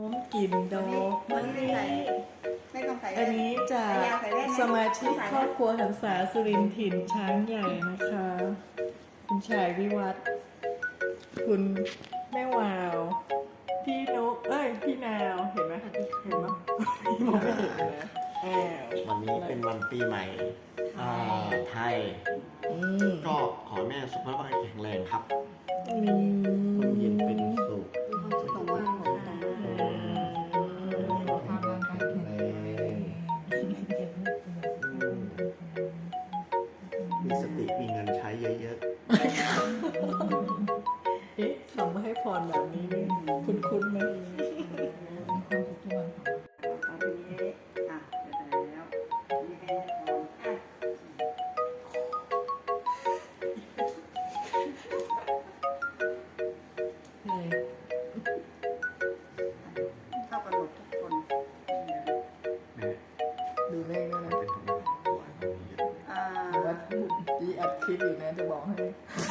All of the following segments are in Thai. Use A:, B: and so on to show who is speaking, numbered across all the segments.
A: กลิ่นดอกไม้อันนี้จากสมาชิกครอบครัวหันษาสุรินทร์ถิ่นช้างใหญ่นะคะ คุณชายวิวัฒน์คุณแม่วาวพี่นกพี่นาวเห็นไหมเห็นไหมมองไม่เห็นนะ
B: วันนี้เป็นวันปีใหม่ไทยก็ขอให้แม่สุขภาพแข็งแรงครับร่มเย็นเป็นสุขมีสติมีเงินใช้เยอะ
A: ๆทำมาให้พรแบบนี้คุ้นๆไหมดูเลขด้วยนะว่าดีอัดคลิปอยู่นะจะบอกให้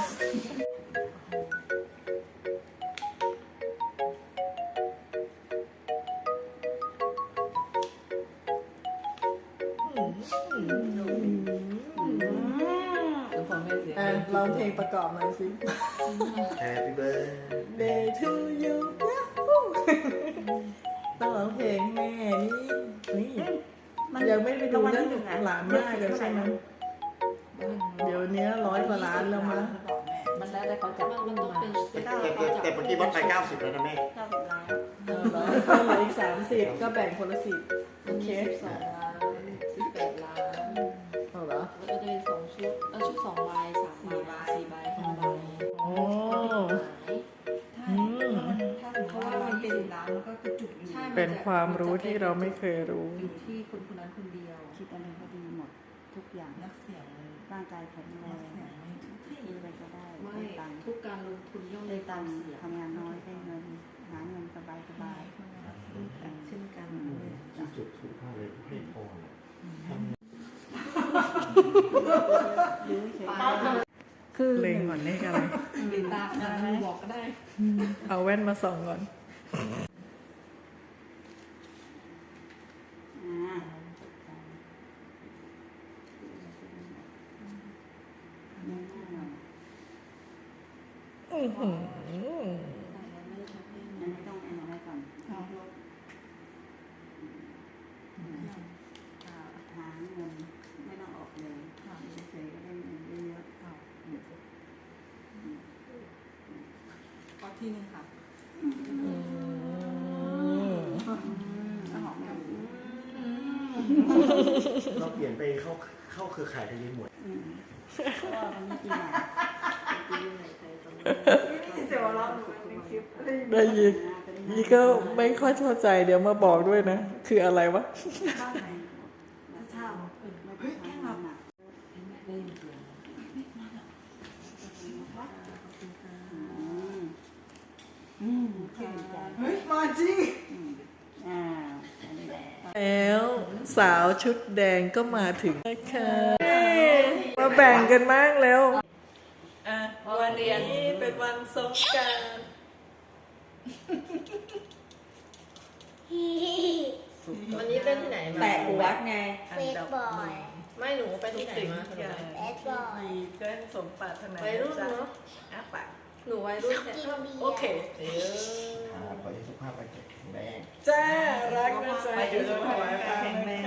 A: ร้องเพลงประกอบหน่อยสิ
B: Happy
A: birthday to you ต้องร้องเพลงแม่นี่ยังไม่ไปดูเรื่องหลานมากกันใช่ไหมเดี๋ยวนี้100 กว่าล้านแล้วมั้ง
C: มันแล้วแต่เขาจับมันต้องเป็น
B: แต่เมื่อกี้วัดไป90แล้วนะแม่
C: 90 ล้าน
A: ก็เหลืออีก30ก็แบ่งคนละ10โอเค
C: 12 ล้าน18 ล้าน
A: เอาเหรอ
C: แล้วก็จะเป็น2 ชุดชุด2 ใบ3 ใบ4 ใบ5 ใบ
A: โอ้
C: เพราะว่ามันเป็น10 ล้านแล้วก็กระจุกอยู่
A: เป็นความรู้ที่เราไม่เคยรู้
C: อยู่ที่คนคนนั้นคนเดียว
D: คิดอะไรก็ดีหมดทุกอย่าง
C: นักเสี่ยง
D: ร่างกายแข็งแรงมีอะไรก็ได้
C: ไม่ทุกการลงทุนย่อม
D: ได้
C: มีความเสี่ยง
D: ทำงานน้อยได้เงินหาเงินสบาย
C: เช่นกัน
B: ที่จุดถูกมากเลยให้พร
A: คือเล็งก่อนเลขอะไร
C: ตาบอกก็ได้
A: เอาแว่นมาส่องก่อน
D: อันนี้ต้องอะไรก่อนหาเงินไม่ต้องออกเลยเฉยๆก็ได้เงินเยอะๆ
C: ข้อที่1ค่ะ
B: เราเปลี่ยนไปเข้าเครือข่ายทะเลหมด
D: เพราะว่ามันไม่กิน
A: ได้ยินนี่ก็ไม่ค่อยเข้าใจเดี๋ยวมาบอกด้วยนะคืออะไรวะ
D: มาจริง
A: แล้วสาวชุดแดงก็มาถึงนะคะมาแบ่งกันมากแล้ววันนี้เป็นวันสงกรานต์
C: วันนี้เป็นที่ไหนมา
D: แปะหัวไง
E: เฟซบอย
C: ไม่หนูไปที่ไหนมา
E: เฟซบอย
A: เพื่อนสมปรารถนา
C: วัยรุ่นเนาะ
A: ปะ
C: หนูวัยรุ่น
A: โอเค
B: ขอให้สุขภาพแข็งแรง
A: จ้ารักนะจ๊ะเดี๋ยวจะถวายแข็งแรง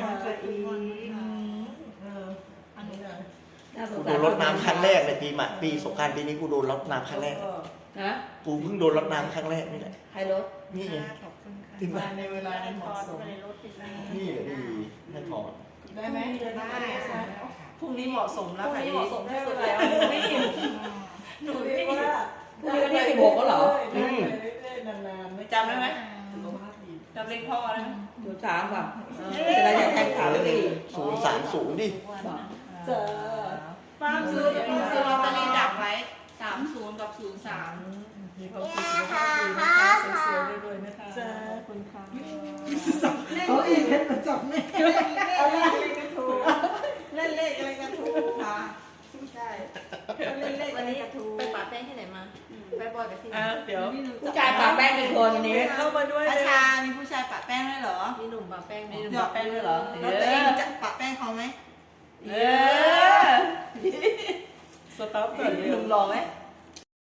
B: กูโดนรดน้ำครั้งแรกในปีสงกรานต์ปีนี้กูโดนรดน้ำครั้งแรกกูเพิ่งโดนรดน้ำครั้งแรกนี่แหละ
C: ใครรถ
B: นี่ไง
A: ถึงในเวลาเหมาะสม
B: นี่แหละดีให้พร
A: ได้ไหมได้พรุ่งนี้เหมาะสมแล้ว
C: ค่ะเหมาะสมที่สุดแล้วไม่เห็น
A: หนูนี่ว่า
C: พรุ่งนี้วันที่16ก็เหรอ
A: นานๆไม่
C: จำได้ไหมจำเลขพ่อได้ไหม03แบบเวลาอยากแข่งขันดิ
B: 030ดิ
A: เจอ
C: ป้าซื้อลอตเตอรี่ดักไว้30กับ03
A: มีความสุขมากดีนะคะสวยๆด้วยนะคะจ้าคุณค่ะ
D: เขาอีกเป็นประจำแม่
A: อะไรกันถูก
D: เล่นเลขอะไรกันถูกค่ะใช่เล่นเลข
C: วันนี้ไปปาแป้งที่ไหนมาไปบอยกับที่
A: เดี๋ยว
C: ผู้ชายปะแป้งเป็นคนวันนี้
A: เข้ามาด้วย
D: อา
A: เลย
D: ชามีผู้ชายปะแป้งด้วยเหรอ
C: มีหนุ่มปะแป้ง
D: มีหนุ่มปะแป้งด้วยเหรอแล้วตัวเองจะปะแป้งเขาไหม
C: เออ
A: สต๊อปก่อน
C: ห
A: เร็ว
C: นุ่มหล่อไหม
D: เ